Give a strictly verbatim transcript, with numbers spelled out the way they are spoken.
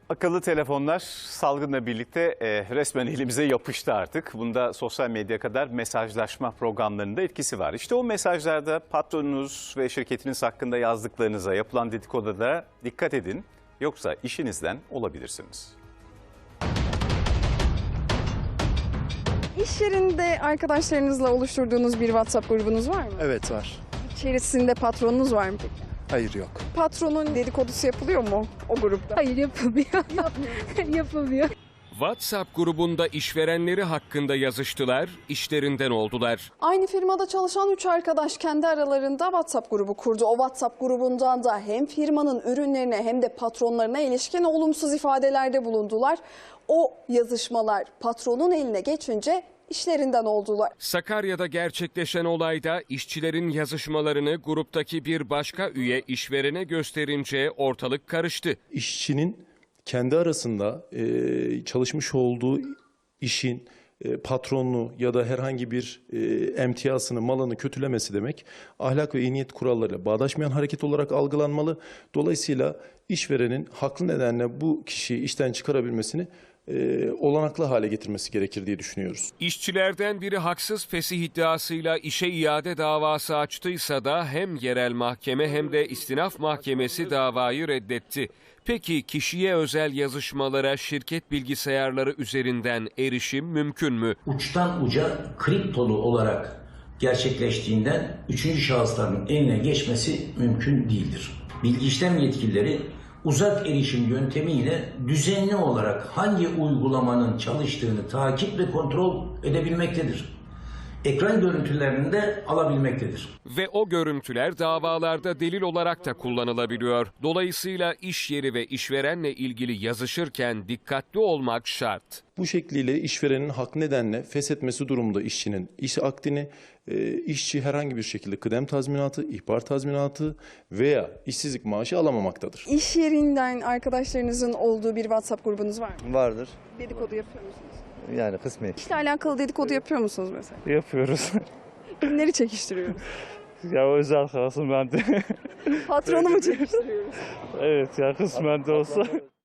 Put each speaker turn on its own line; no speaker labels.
Akıllı telefonlar salgınla birlikte e, resmen elimize yapıştı artık. Bunda sosyal medya kadar mesajlaşma programlarında etkisi var. İşte o mesajlarda patronunuz ve şirketiniz hakkında yazdıklarınıza, yapılan dedikodulara dikkat edin. Yoksa işinizden olabilirsiniz.
İş yerinde arkadaşlarınızla oluşturduğunuz bir WhatsApp grubunuz var mı?
Evet var.
İçerisinde patronunuz var mı peki?
Hayır yok.
Patronun dedikodusu yapılıyor mu o grupta?
Hayır, yapılmıyor. Yapılmıyor.
WhatsApp grubunda işverenleri hakkında yazıştılar, işlerinden oldular.
Aynı firmada çalışan üç arkadaş kendi aralarında WhatsApp grubu kurdu. O WhatsApp grubundan da hem firmanın ürünlerine hem de patronlarına ilişkin olumsuz ifadelerde bulundular. O yazışmalar patronun eline geçince işlerinden oldular.
Sakarya'da gerçekleşen olayda işçilerin yazışmalarını gruptaki bir başka üye işverene gösterince ortalık karıştı.
İşçinin kendi arasında e, çalışmış olduğu işin e, patronunu ya da herhangi bir e, emtiyasını, malını kötülemesi demek ahlak ve iyi niyet kurallarıyla bağdaşmayan hareket olarak algılanmalı. Dolayısıyla işverenin haklı nedenle bu kişiyi işten çıkarabilmesini e, olanaklı hale getirmesi gerekir diye düşünüyoruz.
İşçilerden biri haksız fesih iddiasıyla işe iade davası açtıysa da hem yerel mahkeme hem de istinaf mahkemesi davayı reddetti. Peki kişiye özel yazışmalara şirket bilgisayarları üzerinden erişim mümkün mü?
Uçtan uca kriptolu olarak gerçekleştiğinden üçüncü şahısların eline geçmesi mümkün değildir. Bilgi işlem yetkilileri uzak erişim yöntemiyle düzenli olarak hangi uygulamanın çalıştığını takip ve kontrol edebilmektedir. Ekran görüntülerini de alabilmektedir.
Ve o görüntüler davalarda delil olarak da kullanılabiliyor. Dolayısıyla iş yeri ve işverenle ilgili yazışırken dikkatli olmak şart.
Bu şekliyle işverenin hak nedenle feshetmesi durumunda işçinin iş akdini, e, işçi herhangi bir şekilde kıdem tazminatı, ihbar tazminatı veya işsizlik maaşı alamamaktadır.
İş yerinden arkadaşlarınızın olduğu bir WhatsApp grubunuz var mı?
Vardır.
Dedikodu yapıyor musunuz?
Yani kısmi.
İşle alakalı dedikodu yapıyor musunuz mesela?
Yapıyoruz.
Kimleri çekiştiriyoruz?
Ya özel kalsın bende.
Patronu mu çekiştiriyoruz?
Evet ya kısmen de olsa.